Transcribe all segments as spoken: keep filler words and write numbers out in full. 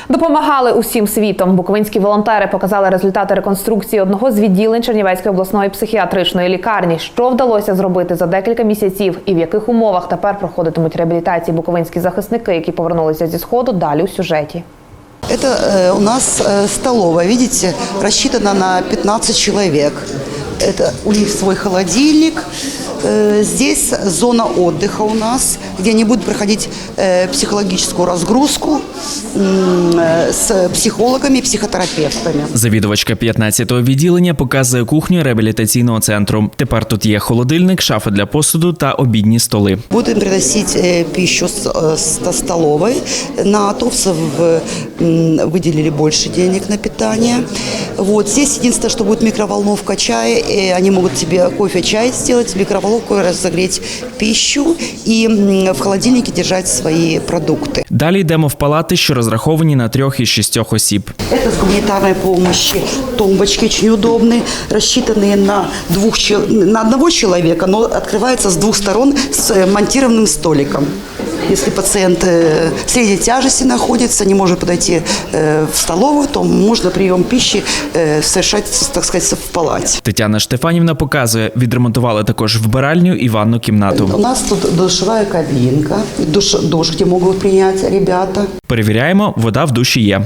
Допомагали усім світом. Буковинські волонтери показали результати реконструкції одного з відділень Чернівецької обласної психіатричної лікарні. Що вдалося зробити за декілька місяців і в яких умовах тепер проходитимуть реабілітації буковинські захисники, які повернулися зі Сходу, далі у сюжеті. Это э, у нас э, столовая, видите, рассчитана на пятнадцать человек. Это у них свой холодильник. Э, здесь зона отдыха у нас, где они будут проходить э, психологическую разгрузку э, с психологами и психотерапевтами. Завідувачка п'ятнадцятого відділення показує кухню реабілітаційного центру. Тепер тут є холодильник, шафа для посуду та обідні столи. Будем приносить э, пищу с, с столовой. На атовцев э, выделили больше денег на питание. Вот. Здесь единственное, что будет микроволновка чая. И они могут себе кофе, чай сделать, в микроволновку разогреть пищу и в холодильнике держать свои продукты. Далі йдемо в палати, що розраховані на трьох із шістьох осіб. Это с гуманитарной помощи. Тумбочки очень удобные, рассчитанные на, двух, на одного человека, но открывается с двух сторон с монтированным столиком. Если пациент средней тяжести находится, не может подойти в столовую, то можно прием пищи совершать, так сказать, в палате. Тетяна Штефанівна показує, відремонтували також вбиральню і ванну кімнату. У нас тут душевая кабинка, душ, душ, где могут принять ребята. Перевіряємо, вода в душі є.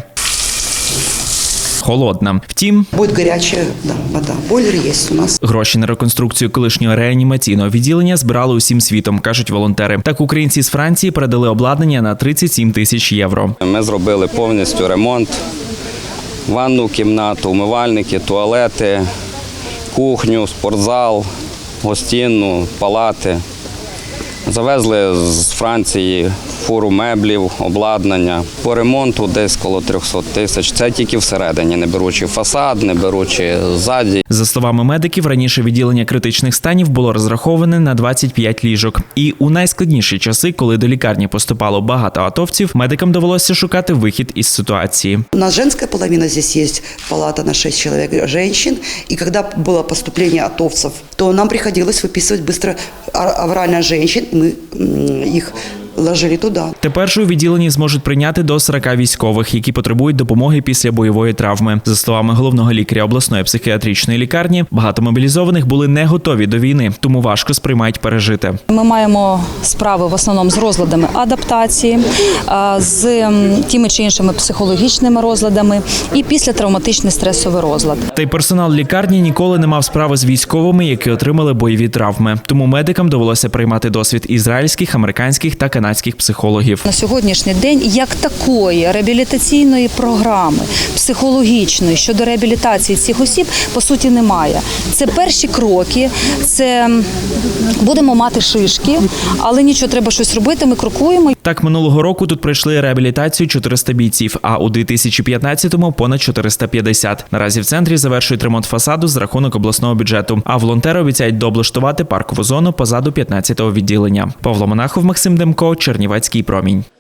Холодна. Втім, буде гаряча, да, вода. Бойлер є у нас. Гроші на реконструкцію колишнього реанімаційного відділення збирали усім світом, кажуть волонтери. Так українці з Франції передали обладнання на тридцять сім тисяч євро. Ми зробили повністю ремонт, ванну кімнату, умивальники, туалети, кухню, спортзал, гостинну, палати. Завезли з Франції фуру меблів, обладнання. По ремонту десь коло трьохсот тисяч. Це тільки всередині, не беручи фасад, не беручи ззаді. За словами медиків, раніше відділення критичних станів було розраховане на двадцять п'ять ліжок. І у найскладніші часи, коли до лікарні поступало багато атовців, медикам довелося шукати вихід із ситуації. У нас женская половина, здесь есть палата на шесть человек женщин. И когда было поступление атовцев, то нам приходилось выписывать быстро аврально женщин. Мы их ложили туди. Тепер же у відділенні зможуть прийняти до сорока військових, які потребують допомоги після бойової травми. За словами головного лікаря обласної психіатричної лікарні, багато мобілізованих були не готові до війни, тому важко сприймають пережите. Ми маємо справи в основному з розладами адаптації, з тими чи іншими психологічними розладами і післятравматичний стресовий розлад. Та й персонал лікарні ніколи не мав справи з військовими, які отримали бойові травми. Тому медикам довелося приймати досвід ізраїльських, американських та канадських психологів. На сьогоднішній день як такої реабілітаційної програми, психологічної щодо реабілітації цих осіб, по суті, немає. Це перші кроки, це будемо мати шишки, але нічого, треба щось робити, ми крокуємо. Так, минулого року тут пройшли реабілітацію чотириста бійців, а у дві тисячі п'ятнадцятому – понад чотириста п'ятдесят. Наразі в центрі завершують ремонт фасаду з рахунок обласного бюджету, а волонтери обіцяють дооблаштувати паркову зону позаду п'ятнадцятого відділення. Павло Монахов, Максим Демко, Чернівецький промінь.